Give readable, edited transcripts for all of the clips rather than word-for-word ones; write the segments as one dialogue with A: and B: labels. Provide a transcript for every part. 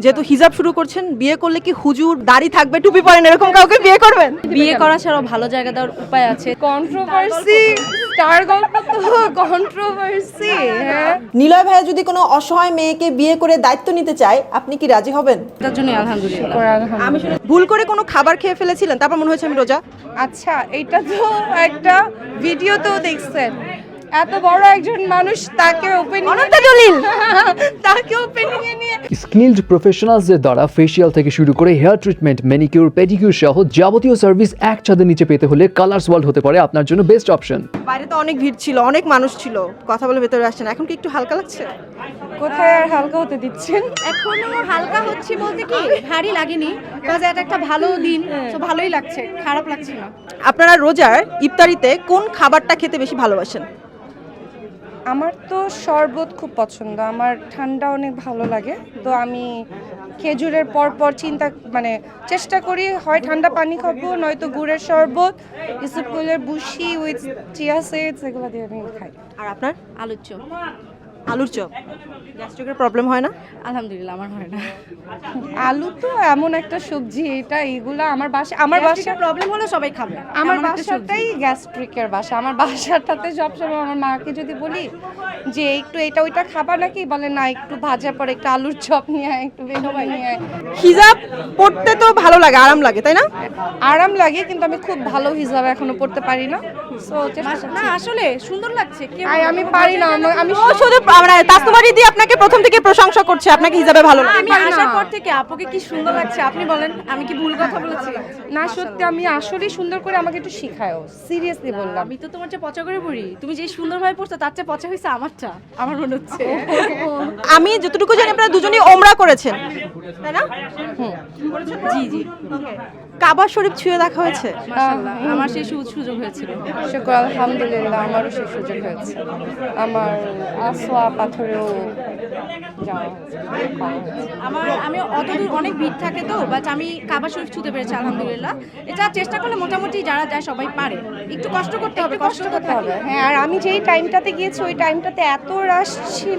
A: যেহেতু হিজাব শুরু করছেন, বিয়ে করলে কি হুজুর দাড়ি থাকবে, টুপি পরেন, এরকম কাউকে বিয়ে করবেন?
B: বিয়ে করা ছাড়াও ভালো জায়গা দেওয়ার উপায় আছে।
C: কন্ট্রোভার্সি, স্টার গল্প তো কন্ট্রোভার্সি। হ্যাঁ,
A: নিলয় ভাইয়া যদি কোনো অসহায় মেয়েকে বিয়ে করে দায়িত্ব নিতে চায়, আপনি কি রাজি হবেন?
B: তার জন্য আলহামদুলিল্লাহ।
A: আমি ভুল করে কোনো খাবার খেয়ে ফেলেছিলেন, তারপর মনে হয়েছে আমি রোজা?
C: আচ্ছা, এটা তো একটা ভিডিও তো দেখছেন, এত বড় একজন মানুষ তাকে ওপেনিং এ নিয়ে
D: স্কিলড প্রফেশনালসদের দ্বারা ফেসিয়াল থেকে শুরু করে হেয়ার ট্রিটমেন্ট, ম্যানিকিউর, পেডিকিউর সহ যাবতীয় সার্ভিস এক ছাদের নিচে পেতে হলে কালার্স ওয়ার্ল্ড হতে পারে আপনার জন্য বেস্ট অপশন।
A: বাইরে তো অনেক ভিড় ছিল, অনেক মানুষ ছিল, কথা বলে ভেতরে আসছেন, এখন কি একটু হালকা লাগছে?
C: কোথায় আর হালকা হতে দিচ্ছেন?
B: এখনো হালকা হচ্ছে বলতে কি ভারী লাগেনি, কাজ এটা একটা ভালো দিন, তো ভালোই লাগছে, খারাপ লাগছে না।
A: আপনারা রোজার ইফতারিতে কোন খাবারটা খেতে বেশি ভালোবাসেন?
C: আমার তো শরবত খুব পছন্দ, আমার ঠান্ডা অনেক ভালো লাগে, তো আমি খেজুরের পর চেষ্টা করি হয় ঠান্ডা পানি খাবো, নয়তো গুড়ের শরবত, ইসবগুলের বুশি উইথ চিয়া সিডস, এগুলো দিয়ে আমি খাই।
A: আর আপনার?
B: আলুর চপ।
A: আলুর চপ। গ্যাস্ট্রিকের প্রবলেম হয় না?
B: আলহামদুলিল্লাহ আমার হয় না।
C: আলু তো এমন একটা সবজি, এগুলা আমার বাসা
B: প্রবলেম হলে সবাই খাবে।
C: আমার
B: এমন একটা সবজি।
C: বাসাটাই গ্যাস্ট্রিকের বাসা। আমার বাসাটাতে সবসময় আমার মাকে যদি বলি যে একটু এটা ওইটা খাবা নাকি, বলে না, একটু ভাজা পরে একটু আলুর চপ নিয়ে আয়, একটু বেগুনি নিয়ে আয়।
A: হিজাব পড়তে তো ভালো লাগে, আরাম লাগে, তাই না?
C: আরাম লাগে, কিন্তু আমি খুব ভালো হিসাবে এখনো পড়তে পারি না। সো
B: না আসলে সুন্দর লাগছে।
C: আমি পারি না, আমি
A: ও শুধু তাসনুমারি দিয়ে আপনাকে প্রথম থেকে প্রশংসা করছে, আপনাকে হিজাবে ভালো লাগে।
B: আমি আসার পর থেকে আপুকে কি সুন্দর লাগছে, আপনি বলেন আমি কি ভুল কথা বলেছি?
C: না, সত্যি আমি আসলেই সুন্দর করে, আমাকে একটু শিখায়ও, সিরিয়াসলি বললাম।
B: আমি তো তোমার চেয়ে পচা করে পড়ি, তুমি যে সুন্দরভাবে পড়ছো তার চেয়ে পচা হয়েছে আমারটা, আমার মনে হচ্ছে।
A: আমি যতটুকু জানি আপনারা দুজনেই ওমরা করেছেন, তাই না?
B: জি জি,
A: কাবা শরীফ ছুঁয়ে দেখা হয়েছে?
B: মাশাআল্লাহ, আমার সেই সুযোগ হয়েছিল।
C: শুকর আলহামদুলিল্লাহ, আমারও সেই সুযোগ হয়েছে। আমার আসোয়া পাথরেও যাওয়া হয়েছে।
B: আমি অতদূর অনেক ভিড় থাকে তো, বাট আমি কাবা শরীফ ছুঁতে পেরেছি আলহামদুলিল্লাহ। এটা চেষ্টা করলে মোটামুটি যারা যায় সবাই পারে, একটু কষ্ট করতে হবে, কষ্ট করতে হবে।
C: হ্যাঁ, আর আমি যেই টাইমটাতে গিয়েছি ওই টাইমটাতে এত রাশ ছিল,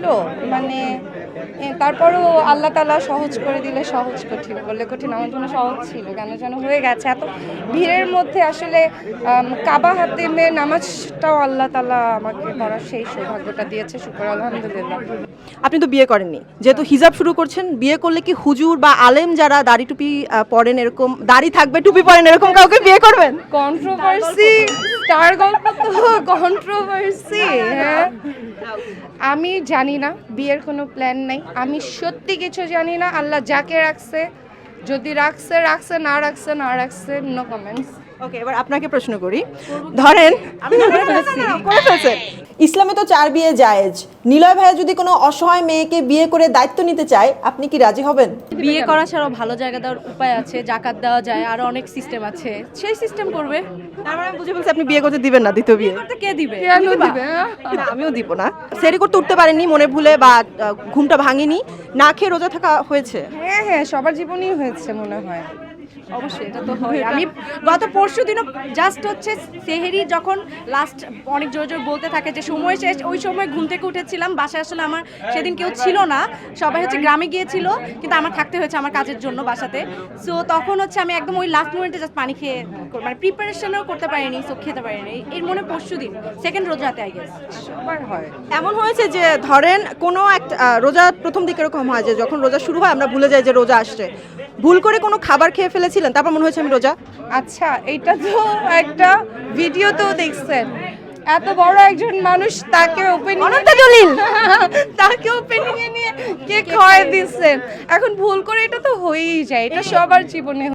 C: তারপরেও আল্লাহ তাআলা সহজ করে দিলে সহজ, কঠিন বললে কঠিন, আমার জন্য সহজ ছিল, কেন যেন হয়ে গেছে। এত ভিড়ের মধ্যে আসলে কাবা হাতে মেয়ে নামাজটাও আল্লাহ তাআলা আমাকে পড়ার সেই সৌভাগ্যটা দিয়েছে, শুকর আলহামদুলিল্লাহ।
A: আপনি তো বিয়ে করেননি, যেহেতু হিজাব শুরু করছেন, বিয়ে করলে কি হুজুর বা আলেম যারা দাড়ি টুপি পরেন, এরকম দাড়ি থাকবে, টুপি পরেন, এরকম কাউকে বিয়ে করবেন?
C: কন্ট্রোভার্সি, স্টার গল্প তো কন্ট্রোভার্সি। হ্যাঁ, আমি জানি না, বিয়ের কোনো প্ল্যান নাই, আমি সত্যি কিছু জানি না। আল্লাহ যাকে রাখছে, যদি রাখছে, না রাখছে, নো কমেন্টস।
A: ওকে, এবার আপনাকে প্রশ্ন করি, ধরেন করে ফেলছেন, ইসলামে তো 4 বিয়ে জায়েজ, নিলয় ভাইয়া যদি কোনো অসহায় মেয়েকে বিয়ে করে দায়িত্ব নিতে চায়, আপনি কি রাজি হবেন?
B: বিয়ে করা ছাড়াও ভালো জায়গা দেওয়ার উপায় আছে, জাকাত দেওয়া যায়, আরো অনেক সিস্টেম আছে, সেই সিস্টেম করবে।
A: তার মানে আমি বুঝে ফেলছি আপনি বিয়ে করতে দিবেন না, দ্বিতীয় বিয়ে?
B: করতে কে দিবে?
C: কেন দিবে?
A: না, আমিও দিব না। সেরি করতে উঠতে পারেননি মনে ভুলে, বা ঘুমটা ভাঙেনি, না খেয়ে রোজা থাকা হয়েছে?
C: হ্যাঁ, সবার জীবনেই হয়েছে মনে হয়।
B: অবশ্যই, এটা তো হয়। আমি গত পরশু দিনও জাস্ট হচ্ছে সেহেরি যখন লাস্ট অনেক জোরে জোরে বলতে থাকে যে সময় শেষ, ওই সময় ঘুম থেকে উঠেছিলাম, বাসায় আসলে আমার সেদিন কেউ ছিল না, সবাই হচ্ছে গ্রামে গিয়েছিল, কিন্তু আমার থাকতে হয়েছে আমার কাজের জন্য বাসাতে। সো তখন হচ্ছে আমি একদম ওই লাস্ট মোমেন্টে জাস্ট পানি খেয়ে, প্রিপারেশনও করতে পারিনি, সো খেতে পারিনি। এর মনে পরশু দিন সেকেন্ড রোজাতে আই গেস
C: সবার হয়।
A: এমন হয়েছে যে ধরেন কোনো একটা রোজা প্রথম দিকে এরকম হয় যে যখন রোজা শুরু হয় আমরা ভুলে যাই যে রোজা আসছে, ভুল করে কোনো খাবার খেয়ে ফেলেছিলেন, তারপর মনে হয়েছে আমি রোজা?
C: আচ্ছা, এটা তো একটা ভিডিও তো দেখছেন, এত বড় একজন মানুষ তাকে ওপেনিং এ নিয়ে কেক খাওয়াই দিচ্ছেন। এখন ভুল করে এটা তো হয়েই যায়, এটা সবার জীবনে